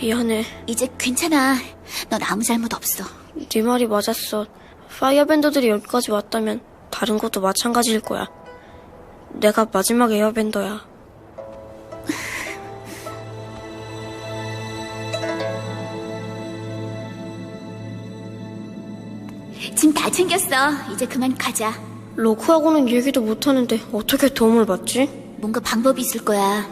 미안해. 이제 괜찮아. 넌 아무 잘못 없어. 네 말이 맞았어. 파이어밴더들이 여기까지 왔다면 다른 곳도 마찬가지일 거야. 내가 마지막 에어밴더야. 짐 다 챙겼어. 이제 그만 가자. 로크하고는 얘기도 못하는데 어떻게 도움을 받지? 뭔가 방법이 있을 거야.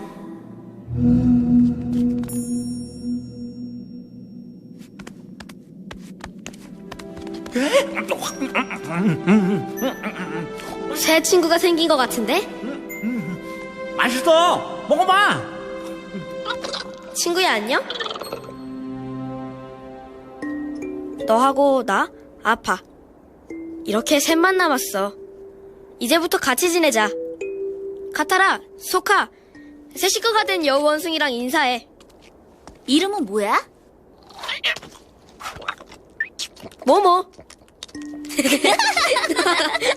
새 친구가 생긴 것 같은데? 맛있어. 먹어봐. 친구야, 안녕? 너하고 나 아파. 이렇게 셋만 남았어. 이제부터 같이 지내자. 카타라, 소카, 새 식구가 된 여우 원숭이랑 인사해. 이름은 뭐야? 뭐뭐.